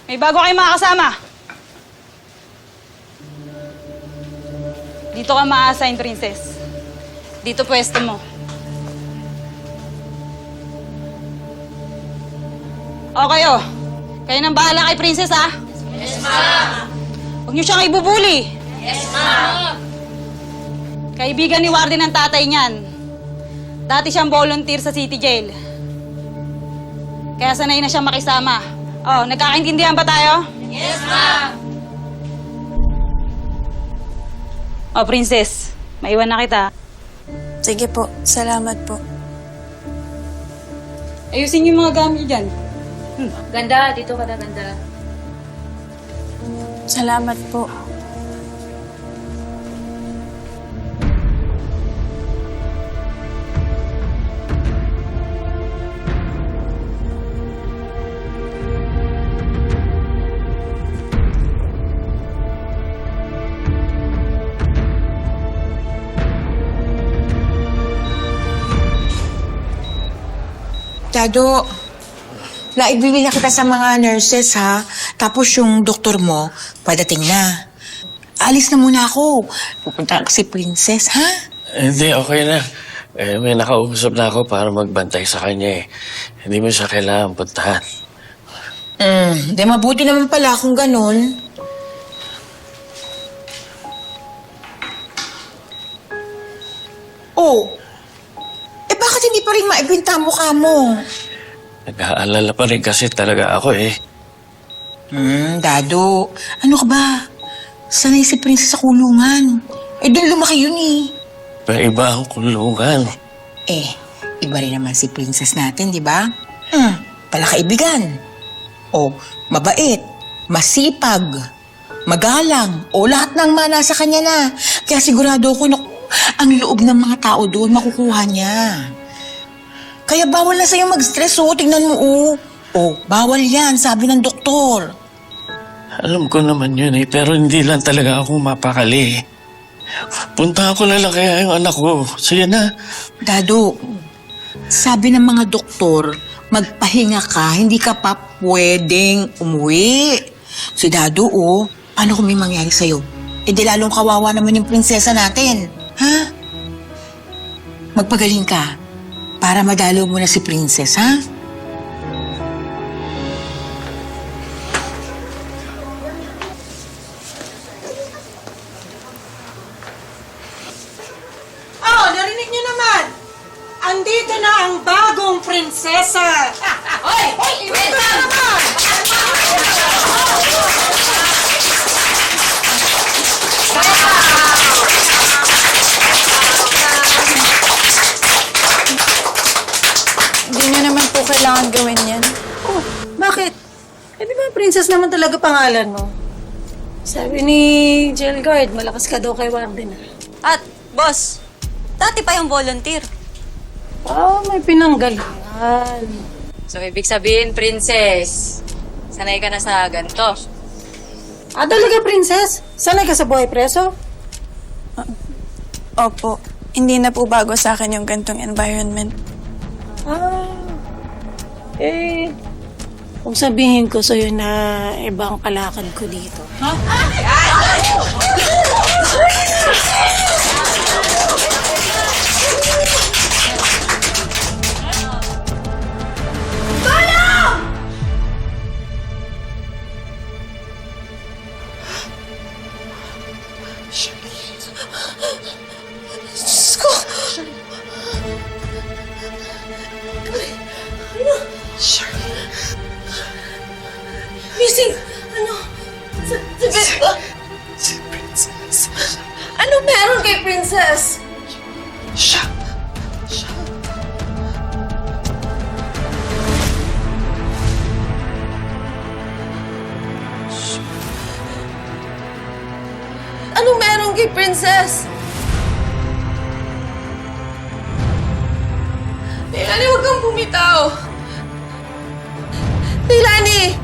May bago kayong mga kasama. Dito ka ma-assign, Princess. Dito pwesto mo. Okay, oh. Kayo nang bahala kay Princess, ha? Yes, ma'am. Huwag niyo siyang ibubuli. Yes, ma'am. Kaibigan ni Warden ang tatay niyan. Dati siyang volunteer sa City Jail. Kaya sanay na siyang makisama. Oh, nagkakaintindihan ba tayo? Yes, ma'am. Oh, Princess. Maiwan na kita. Sige po, salamat po. Ayusin niyo yung mga gamit niyo dyan. Ganda, dito ka na ganda. Salamat po. Dado, naibili na kita sa mga nurses, ha? Tapos yung doktor mo, padating na. Alis na muna ako. Pupunta si Princess, ha? Hindi, okay na. May nakausap na ako para magbantay sa kanya eh. Hindi mo siya kailangan puntahan. Di mabuti naman pala kung ganun. Oh, bakit hindi pa rin maibinta ang mukha mo? Nag-aalala pa rin kasi talaga ako eh. Dado, ano ka ba? Sanay si Princess sa kulungan. Doon lumaki yun eh. May iba ang kulungan. Iba rin naman si Princess natin, di ba? Palakaibigan. O, mabait, masipag, magalang, o lahat ng mana sa kanya na. Kaya sigurado ako na ang loob ng mga tao doon makukuha niya. Kaya bawal na sa'yo mag-stress, tingnan mo, bawal yan, sabi ng doktor. Alam ko naman yun eh, pero hindi lang talaga ako mapakali. Punta ko na lang kaya yung anak ko. Sige na. Dado, sabi ng mga doktor, magpahinga ka, hindi ka pa pwedeng umuwi. Si Dado, paano kung may mangyari sa'yo? Di lalong kawawa naman yung prinsesa natin. Ha? Magpagaling ka para madalo mo na si Princess, ha? Oh, narinig niyo naman! Andito na ang bagong prinsesa! Hoy! Hoy! Wait lang! Hindi niyo naman po kailangan gawin yan. Oh, bakit? Di ba princess naman talaga pangalan mo? Sabi ni jail guard, malakas ka daw kay Warden. At, boss, dati pa yung volunteer. May pinanggalingan. So, ibig sabihin, princess, sanay ka na sa ganito. Talaga, princess? Sanay ka sa buhay preso? Opo, hindi na po bago sa akin yung gantong environment. Kung sabihin ko sa'yo na ibang kalakad ko dito. Missing! Si Princess. Ano meron kay Princess? Siya. Ano meron kay Princess? Leilani, huwag kang bumitaw. Leilani!